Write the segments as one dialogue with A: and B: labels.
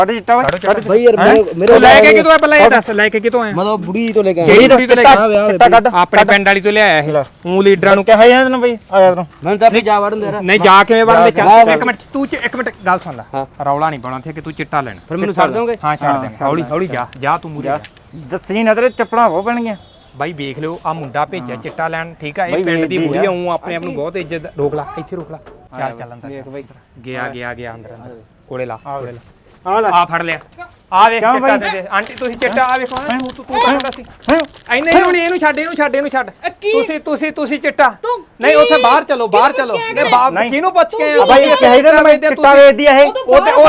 A: ਕੱਢ ਚਿੱਟਾ ਓਏ
B: ਭਾਈ ਯਾਰ ਮੇਰੇ
C: ਲੈ ਕੇ ਕਿਤੋਂ ਆ ਪਹਿਲਾਂ ਇਹ ਦੱਸ ਲੈ ਕੇ ਕਿਤੋਂ ਆਇਆ
B: ਮਤਲਬ ਬੁੜੀ ਤੋਂ ਲੈ ਕੇ
C: ਕਿਹੜੀ ਬੁੜੀ ਤੋਂ ਲੈ ਕੇ
A: ਚਿੱਟਾ ਕੱਢ
C: ਆਪਣੇ ਪਿੰਡ ਵਾਲੀ ਤੋਂ ਲਿਆਇਆ ਇਹ ਉਹ ਲੀਡਰਾਂ ਨੂੰ
A: ਕਿਹਾ ਇਹਨਾਂ ਨੂੰ ਬਈ ਆ ਜਾ ਤੂੰ
B: ਮੈਂ ਤਾਂ ਆਪਣੀ ਜਾ ਵੜਨ ਦੇ
C: ਨਹੀਂ ਜਾ ਕਿਵੇਂ ਵੜਦੇ ਚੱਲ ਇੱਕ ਮਿੰਟ ਤੂੰ ਇੱਕ ਮਿੰਟ ਗੱਲ ਸੁਣ ਲੈ ਰੌਲਾ ਨਹੀਂ ਪਾਉਣਾ ਇੱਥੇ ਕਿ ਤੂੰ ਚਿੱਟਾ ਲੈਣਾ
B: ਫਿਰ ਮੈਨੂੰ ਛੱਡ ਦੋਗੇ
C: ਹਾਂ ਛੱਡ ਦੇਂਗੇ ਹੌਲੀ ਹੌਲੀ ਜਾ ਤੂੰ ਮੂਰੇ
A: ਦੱਸੀ ਨਾ ਤੇਰੇ ਚੱਪਲਾਂ ਹੋ ਪੈਣਗੀਆਂ
C: ਬਾਈ ਵੇਖ ਲਿਓ ਆ ਮੁੰਡਾ ਭੇਜਿਆ ਚਿੱਟਾ ਲੈਣ ਠੀਕ ਆ ਇਹ ਪਿੰਡ ਦੀ ਬੁੜੀ ਆ ਉਹ ਆਪਣੇ ਆਪ ਨੂੰ ਬਹੁਤ ਇੱਜ਼ਤ ਰੋਕ ਲਾ ਇੱਥੇ ਰੋਕ ਲਾ ਚੱਲ ਅੰਦਰ
A: ਦੇਖ ਬਈ
C: ਗਿਆ ਅੰਦਰ ਕੋਲੇ ਲਾ
A: ਆ ਲੈ
C: ਆ ਫੜ ਲਿਆ ਆ ਵੇਖ ਚਿੱਟਾ ਦੇ ਆਂਟੀ ਤੁਸੀਂ ਚਿੱਟਾ ਆ ਵੇਖੋ ਤੂੰ ਕਹਿੰਦਾ ਸੀ ਐਨੇ ਹੀ ਹੁਣ ਇਹਨੂੰ ਛੱਡ ਤੁਸੀਂ ਚਿੱਟਾ ਨਹੀਂ ਉੱਥੇ ਬਾਹਰ ਚਲੋ ਨੇ ਬਾਪ ਕਿਹਨੂੰ ਪੁੱਛ ਕੇ ਆ
A: ਬਾਈ ਕਹੇ ਦੇ ਮੈਂ ਚਿੱਟਾ ਵੇਚਦੀ ਆ ਇਹ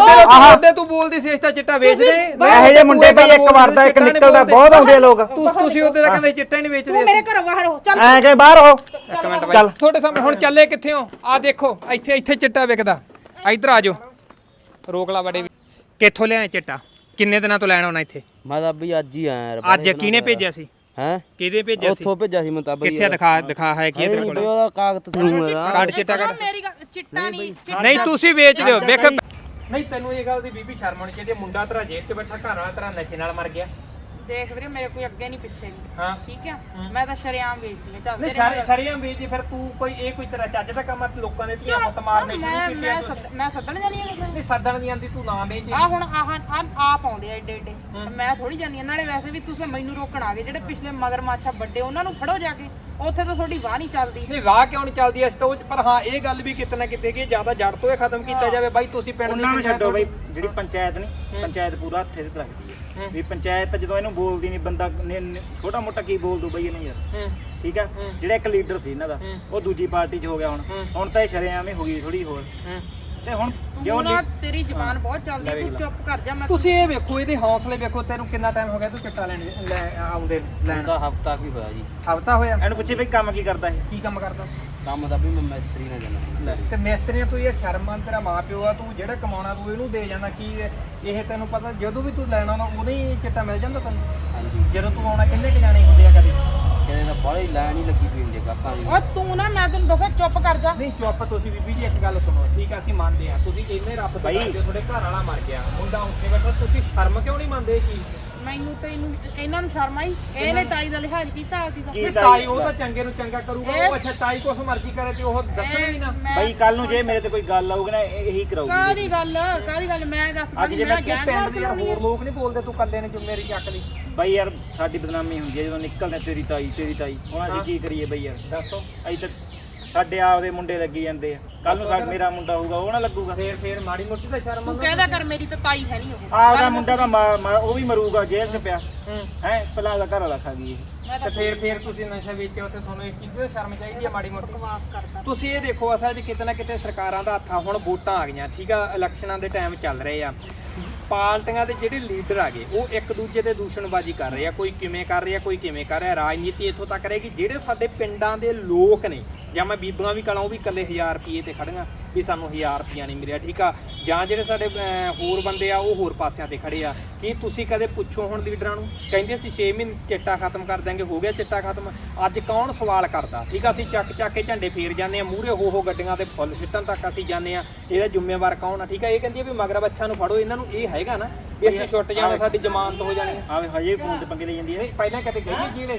C: ਉਹਦੇ ਤੂੰ ਬੋਲਦੀ ਸੀ ਇਸ ਤਾਂ ਚਿੱਟਾ ਵੇਚਦੇ
A: ਇਹੋ ਜਿਹੇ ਮੁੰਡੇ ਬਈ ਇੱਕ ਵਾਰ ਦਾ ਇੱਕ ਨਿਕਲਦਾ ਬਹੁਤ ਆਉਂਦੇ ਲੋਕ
C: ਤੁਸੀਂ ਉਹਦੇ ਦਾ ਕਹਿੰਦੇ ਚਿੱਟਾ ਹੀ ਨਹੀਂ ਵੇਚਦੇ
D: ਤੂੰ ਮੇਰੇ ਘਰੋਂ ਬਾਹਰ ਹੋ ਚੱਲ
A: ਐ ਕਿ ਬਾਹਰ ਹੋ
C: ਇੱਕ ਮਿੰਟ ਬਾਈ ਤੁਹਾਡੇ ਸਾਹਮਣੇ ਹੁਣ ਚੱਲੇ ਕਿੱਥੇ ਹੋ ਆ ਦੇਖੋ ਇੱਥੇ ਚਿੱਟਾ ਵਿਕਦਾ ਇੱਧਰ ਆ ਜਾਓ ਰੋਕ ਲਾ ਬੜੇ ਕਿੱਥੋਂ ਲਿਆਏ ਚਿੱਟਾ ਕਿੰਨੇ ਦਿਨਾਂ ਤੋਂ ਲੈਣ ਆਉਣਾ ਇੱਥੇ
B: ਮੈਂ ਤਾਂ ਬਈ ਅੱਜ ਹੀ ਆਇਆ ਯਾਰ
C: ਅੱਜ ਕਿਹਨੇ ਭੇਜਿਆ ਸੀ
B: ਹੈ
C: ਕਿਹਦੇ ਭੇਜਿਆ ਸੀ
B: ਉੱਥੋਂ ਭੇਜਿਆ ਸੀ ਮੈਂ ਤਾਂ ਬਈ
C: ਕਿੱਥੇ ਦਿਖਾ ਹੈ ਕੀ ਤੇਰੇ ਕੋਲ
B: ਉਹਦਾ ਕਾਗਜ਼ ਸੀ ਮੇਰਾ
C: ਕੱਢ ਚਿੱਟਾ ਕੱਢ
D: ਮੇਰੀ ਗੱਲ ਚਿੱਟਾ ਨਹੀਂ
C: ਨਹੀਂ ਤੁਸੀਂ ਵੇਚਦੇ ਹੋ ਵੇਖ ਨਹੀਂ ਤੈਨੂੰ ਇਹ ਗੱਲ ਦੀ ਬੀਬੀ ਸ਼ਰਮ ਆਉਣੀ ਚਾਹੀਦੀ ਮੁੰਡਾ ਤੇਰਾ ਜੇਲ੍ਹ 'ਚ ਬੈਠਾ ਘਰ ਵਾਲਾ ਤੇਰਾ ਨਸ਼ੇ ਨਾਲ ਮਰ ਗਿਆ
D: ਦੇਖ ਵੀਰੇ ਮੇਰੇ ਕੋਈ ਅੱਗੇ ਨਹੀਂ ਪਿੱਛੇ ਨਹੀਂ
C: ਹਾਂ
D: ਠੀਕ ਹੈ ਮੈਂ ਤਾਂ ਸ਼ਰਿਆਮ ਵੇਚਦੀ ਆ ਚੱਲ
C: ਨਹੀਂ ਸਾਰੀਆਂ ਵੇਚਦੀ ਫਿਰ ਤੂੰ ਕੋਈ ਤੇਰਾ ਚੱਜ ਦਾ ਕੰਮ ਆ ਲੋਕਾਂ ਦੇ ਧੀਆਂ ਮਤ ਮਾਰਨੇ ਸ਼ੁਰੂ ਕੀਤੇ
D: ਮੈਂ ਸੱਦਣ ਜਾਨੀ ਆ
C: ਨਹੀਂ ਸੱਦਣ ਦੀ ਆਂਦੀ ਤੂੰ ਨਾ ਵੇਚ
D: ਆ ਹੁਣ ਆ ਪਾਉਂਦੇ ਆ ਏਡੇ ਏਡੇ ਮੈਂ ਥੋੜੀ ਜਾਨੀ ਆ ਨਾਲੇ ਵੈਸੇ ਵੀ ਤੁਸੀਂ ਮੈਨੂੰ ਰੋਕਣ ਆ ਗਏ ਜਿਹੜੇ ਪਿਛਲੇ ਮਗਰਮੱਛਾ ਵੱਡੇ ਉਹਨਾਂ ਨੂੰ ਫੜੋ ਜਾ ਕੇ ਉੱਥੇ ਤਾਂ ਤੁਹਾਡੀ ਵਾਹ ਨਹੀਂ ਚੱਲਦੀ
C: ਨਹੀਂ ਵਾਹ ਕਿਉਂ ਨਹੀਂ ਚੱਲਦੀ ਇਸ ਤੋਂ ਪਰ ਹਾਂ ਇਹ ਗੱਲ ਵੀ ਕਿਤੇ ਨਾ ਕਿਤੇ ਕਿ ਜਿਆਦਾ ਜੜ ਤੋਂ ਇਹ ਖਤਮ ਕੀਤਾ ਜਾਵੇ ਬਾਈ ਤੁਸੀਂ ਪਿੰਡ
A: ਉਹਨਾਂ ਨੂੰ ਛੱਡੋ ਬਈ ਜਿਹੜੀ ਪੰਚਾਇਤ ਨਹੀਂ ਪੰਚਾਇਤ ਪੂਰਾ ਹੱਥੇ ਤੇ ਰੱਖਦੀ ਹੈ ਵੀ ਪੰਚਾਇਤ ਜਦੋਂ ਇਹਨੂੰ ਬੋਲਦੀ ਨਹੀਂ ਬੰਦਾ ਛੋਟਾ ਮੋਟਾ ਕੀ ਬੋਲ ਦੂ ਬਈ ਇਹਨੇ ਯਾਰ ਠੀਕ ਆ ਜਿਹੜਾ ਇੱਕ ਲੀਡਰ ਸੀ ਇਹਨਾਂ ਦਾ ਉਹ ਦੂਜੀ ਪਾਰਟੀ 'ਚ ਹੋ ਗਿਆ ਹੁਣ ਤਾਂ ਇਹ ਸ਼ਰੇਆਮ ਹੀ ਹੋ ਗਈ ਥੋੜੀ ਹੋਰ ਤੇ ਹੁਣ
D: ਕਿਉਂ ਨਾ ਤੇਰੀ ਜ਼ਬਾਨ ਬਹੁਤ ਚੱਲਦੀ ਤੂੰ ਚੁੱਪ ਕਰ ਜਾ ਮੈਂ
C: ਤੁਸੀਂ ਇਹ ਵੇਖੋ ਇਹਦੇ ਹੌਸਲੇ ਵੇਖੋ ਤੈਨੂੰ ਕਿੰਨਾ ਟਾਈਮ ਹੋ ਗਿਆ ਤੂੰ ਚਿੱਟਾ ਲੈ ਆਉਂਦੇ ਲੈਣ
B: ਦਾ ਹਫਤਾ ਕੀ ਹੋਇਆ ਜੀ
C: ਹਫਤਾ ਹੋਇਆ
A: ਇਹਨੂੰ ਪੁੱਛੇ ਬਈ ਕੰਮ ਕੀ ਕਰਦਾ ਇਹ
C: ਕੀ ਕੰਮ ਕਰਦਾ
B: ਕੰਮ ਦਾ ਵੀ ਮੈਂ ਮਿਸਤਰੀ ਨਾਲ ਜਾਣਾ
C: ਤੇ ਮਿਸਤਰੀਆਂ ਤੂੰ ਇਹ ਸ਼ਰਮਾਂ ਤੇਰਾ ਮਾਂ ਪਿਓ ਆ ਤੂੰ ਜਿਹੜਾ ਕਮਾਉਣਾ ਤੂੰ ਇਹਨੂੰ ਦੇ ਜਾਂਦਾ ਕੀ ਇਹ ਤੈਨੂੰ ਪਤਾ ਜਦੋਂ ਵੀ ਤੂੰ ਲੈਣਾ ਆਉਂਦਾ ਉਦੋਂ ਹੀ ਚਿੱਟਾ ਮਿਲ ਜਾਂਦਾ ਤੈਨੂੰ
B: ਹਾਂਜੀ
C: ਜਦੋਂ ਤੂੰ ਆਉਣਾ ਕਿੰਨੇ ਕ ਜਾਣੇ ਹੁੰਦੇ ਆ ਕਦੇ
B: ਕਿਹਨੇ ਦਾ ਬਾਹਲੀ ਲਾਈਨ ਹੀ ਲੱਗੀ ਪਈ ਹੁੰਦੀ ਕਾਕਾਂ ਦੀ
D: ਓ ਤੂੰ ਨਾ ਮੈਂ ਤੈਨੂੰ ਦੱਸਾਂ ਚੁੱਪ ਕਰ ਜਾ
C: ਨਹੀਂ ਚੁੱਪ ਤੁਸੀਂ ਬੀਬੀ ਜੀ ਇੱਕ ਗੱਲ ਸੁਣੋ ਠੀਕ ਆ ਅਸੀਂ ਮੰਨਦੇ ਆ ਤੁਸੀਂ ਇੰਨੇ ਰੱਬ ਤੋਂ ਡਰਦੇ ਹੋ, ਤੁਹਾਡੇ ਘਰ ਵਾਲਾ ਮਰ ਗਿਆ ਮੁੰਡਾ ਉੱਥੇ ਬੈਠਾ ਤੁਸੀਂ ਸ਼ਰਮ ਕਿਉਂ ਨਹੀਂ ਮੰਨਦੇ ਇਹ ਚੀਜ਼
D: ਮੈਨੂੰ ਤੇ ਇਹਨਾਂ ਨੂੰ ਸ਼ਰਮ ਆਈ ਇਹਨੇ ਤਾਈ ਦਾ ਲਿਹਾਜ਼ ਕੀਤਾ ਆਪਦੀ ਦਾ
C: ਇਹ ਤਾਈ ਉਹ ਤਾਂ ਚੰਗੇ ਨੂੰ ਚੰਗਾ ਕਰੂਗਾ ਉਹ ਅੱਛਾ ਤਾਈ ਕੁਛ ਮਰਜ਼ੀ ਕਰੇ ਤੇ ਉਹ ਦੱਸਣਾ ਹੀ ਨਾ
A: ਬਈ ਕੱਲ ਨੂੰ ਜੇ ਮੇਰੇ ਤੇ ਕੋਈ ਗੱਲ ਆਊਗੀ ਨਾ ਇਹੀ ਕਰਾਊਗੀ
D: ਕਾਦੀ ਗੱਲ ਮੈਂ ਦੱਸ
A: ਅੱਜ ਜੇ
D: ਮੈਂ
A: ਮੈਂ
D: ਗੈਂਗ
C: ਪਿੰਡ ਦੇ ਹੋਰ ਲੋਕ ਨਹੀਂ ਬੋਲਦੇ ਤੂੰ ਕੱਲੇ ਨੇ ਜ਼ਿੰਮੇਵਾਰੀ ਚੱਕ ਲਈ
A: ਬਈ ਯਾਰ ਸਾਡੀ ਬਦਨਾਮੀ ਹੁੰਦੀ ਹੈ ਜਦੋਂ ਨਿਕਲਦੇ ਤੇਰੀ ਤਾਈ ਹੁਣ ਅਸੀਂ ਕੀ ਕਰੀਏ ਬਈ ਯਾਰ
C: ਦੱਸੋ
A: ਅਸੀਂ ਤਾਂ ਸਾਡੇ ਆਪਦੇ ਮੁੰਡੇ ਲੱਗੀ ਜਾਂਦੇ ਆ ਕੱਲ ਨੂੰ ਮੇਰਾ ਮੁੰਡਾ ਹੋਊਗਾ ਉਹ ਨਾ ਲੱਗੂਗਾ
C: ਫੇਰ ਮਾੜੀ ਮੋਟੀ ਤਾਂ ਸ਼ਰਮ
D: ਤੂੰ ਕਹਿੰਦਾ ਕਰ ਮੇਰੀ ਤਾਂ ਤਾਈ ਹੈ ਨਹੀਂ ਉਹ
A: ਆਪਦਾ ਮੁੰਡਾ ਤਾਂ ਉਹ ਵੀ ਮਰੂਗਾ ਜੇਲ੍ਹ 'ਚ ਪਿਆ ਹੈ ਪਹਿਲਾਂ ਉਹਦਾ ਘਰ ਵਾਲਾ ਖਾ ਗਈ
C: ਤੇ ਫੇਰ ਤੁਸੀਂ ਨਸ਼ਾ ਵੇਚਿਓ ਤੇ ਤੁਹਾਨੂੰ ਇਸ ਚੀਜ਼ ਦੀ ਸ਼ਰਮ ਚਾਹੀਦੀ ਹੈ ਮਾੜੀ ਮੋਟੀ
D: ਬਕਵਾਸ ਕਰਦਾ
C: ਤੁਸੀਂ ਇਹ ਦੇਖੋ ਅਸਲ 'ਚ ਕਿਤੇ ਨਾ ਕਿਤੇ ਸਰਕਾਰਾਂ ਦਾ ਹੱਥ ਆ ਹੁਣ ਵੋਟਾਂ ਆ ਗਈਆਂ ਠੀਕ ਆ ਇਲੈਕਸ਼ਨਾਂ ਦੇ ਟਾਈਮ ਚੱਲ ਰਹੇ ਆ ਪਾਰਟੀਆਂ ਦੇ ਜਿਹੜੇ ਲੀਡਰ ਆ ਗਏ ਉਹ ਇੱਕ ਦੂਜੇ ਤੇ ਦੂਸ਼ਣਬਾਜ਼ੀ ਕਰ ਰਹੇ ਆ ਕੋਈ ਕਿਵੇਂ ਕਰ ਰਿਹਾ ਕੋਈ ਕਿਵੇਂ ਕਰ ਰਿਹਾ ਰਾਜਨੀਤੀ ਇੱਥੋਂ ਤੱਕ ਰਹੇਗੀ ਜਿਹੜੇ ਸਾਡੇ ਪਿੰਡਾਂ ਦੇ ਲੋਕ ਨੇ ਜਾਂ ਮੈਂ ਬੀਬੀਆਂ ਵੀ ਕਲਾਂ ਉਹ ਵੀ ਇਕੱਲੇ 1000 ਰੁਪਏ ਤੇ ਖੜੀਆਂ ਵੀ ਸਾਨੂੰ 1000 ਰੁਪਈਆ ਨਹੀਂ ਮਿਲਿਆ ਠੀਕ ਆ ਜਾਂ ਜਿਹੜੇ ਸਾਡੇ ਹੋਰ ਬੰਦੇ ਆ ਉਹ ਹੋਰ ਪਾਸਿਆਂ ਤੇ ਖੜੇ ਆ ਕੀ ਤੁਸੀਂ ਕਦੇ ਪੁੱਛੋ ਹੁਣ ਲੀਡਰਾਂ ਨੂੰ ਕਹਿੰਦੇ ਸੀ 6 ਮਹੀਨੇ ਚਿੱਟਾ ਖਤਮ ਕਰ ਦਾਂਗੇ ਹੋ ਗਿਆ ਚਿੱਟਾ ਖਤਮ ਅੱਜ ਕੌਣ ਸਵਾਲ ਕਰਦਾ ਠੀਕ ਆ ਅਸੀਂ ਚੱਕ ਕੇ ਝੰਡੇ ਫੇਰ ਜਾਂਦੇ ਆ ਮੂਹਰੇ ਹੋ ਗੱਡੀਆਂ ਤੇ ਫੁੱਲ ਸਿੱਟਣ ਤੱਕ ਅਸੀਂ ਜਾਂਦੇ ਆ ਇਹਦਾ ਜ਼ਿੰਮੇਵਾਰ ਕੌਣ ਆ ਠੀਕ ਆ ਇਹ ਕਹਿੰਦੀ ਆ ਵੀ ਮਗਰ ਬੱਚਾ ਨੂੰ ਫੜੋ ਇਹਨਾਂ ਨੂੰ ਇਹ ਹੈਗਾ ਨਾ ਵੀ ਅਸੀਂ ਛੁੱਟ ਜਾਣਾ ਸਾਡੀ ਜ਼ਮਾਨਤ ਹੋ ਜਾਣੀ ਆ
A: ਆਵੇ ਹਜੇ ਫੋਨ ਤੇ ਪੰਗੇ ਲਈ ਜਾਂਦੀ ਹੈ
C: ਪਹਿਲਾਂ ਕਦੇ ਗਈ ਜੇਲ੍ਹ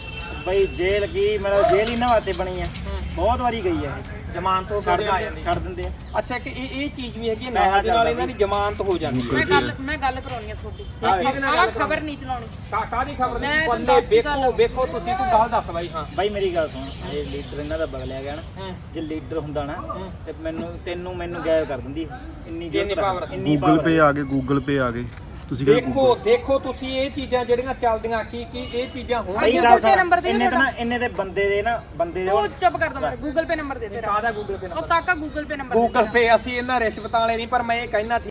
A: ਬਈ ਜੇਲ੍ਹ ਕੀ ਮਤਲਬ ਜੇਲ੍ਹ ਇਹਨਾਂ ਵਾਸਤੇ ਬਣੀ ਹੈ ਬਹੁਤ ਵਾਰੀ ਗਈ ਹੈ
C: ਜ਼ਮਾਨਤ ਹੋ
A: ਛੱਡ ਦਿੰਦੇ ਆ
C: ਅੱਛਾ ਕਿ ਇਹ ਚੀਜ਼ ਵੀ ਹੈਗੀ ਨਾਲ ਦੇ ਨਾਲ ਇਹਨਾਂ ਦੀ ਜ਼ਮਾਨਤ ਹੋ ਜਾਂਦੀ
D: ਮੈਂ ਗੱਲ ਕਰਾਉਣੀ ਆ ਤੁਹਾਡੀ ਖਬਰ ਨਹੀਂ ਚਲਾਉਣੀ
C: ਕਾਹਦੀ ਖਬਰ ਨਹੀਂ ਬੰਦੇ ਵੇਖੋ ਤੁਸੀਂ ਤੂੰ ਗੱਲ ਦੱਸ ਬਾਈ ਹਾਂ
A: ਬਾਈ ਮੇਰੀ ਗੱਲ ਸੁਣ ਜੇ ਲੀਡਰ ਇਹਨਾਂ ਦਾ ਬਦਲਿਆ ਗਿਆ ਨਾ ਜੇ ਲੀਡਰ ਹੁੰਦਾ ਨਾ ਤੇ ਮੈਨੂੰ ਗਾਇਬ ਕਰ ਦਿੰਦੀ ਇੰਨੀ ਪਾਵਰ
E: ਗੂਗਲ ਪੇ ਆ ਗਏ ਤੁਸੀਂ
C: ਦੇਖੋ ਤੁਸੀਂ ਇਹ ਚੀਜ਼ਾਂ ਜਿਹੜੀਆਂ ਚੱਲਦੀਆਂ ਕੀ ਇਹ ਚੀਜ਼ਾਂ
D: ਗੂਗਲ ਪੇ ਨੰਬਰ ਦੇ
A: ਇੰਨੇ ਦੇ ਬੰਦੇ ਦੇ
D: ਤੂੰ ਚੁੱਪ ਕਰ ਦੋ ਗੂਗਲ ਪੇ ਨੰਬਰ ਦੇ ਤੇਰਾ
C: ਕਾਹਦਾ ਗੂਗਲ ਪੇ
D: ਉਹ ਕਾਕਾ Google pay number
C: Google pay ਅਸੀਂ ਇਹਨਾਂ ਰਿਸ਼ਵਤਾਂ ਵਾਲੇ ਨਹੀਂ ਪਰ ਮੈਂ ਇਹ ਕਹਿਣਾ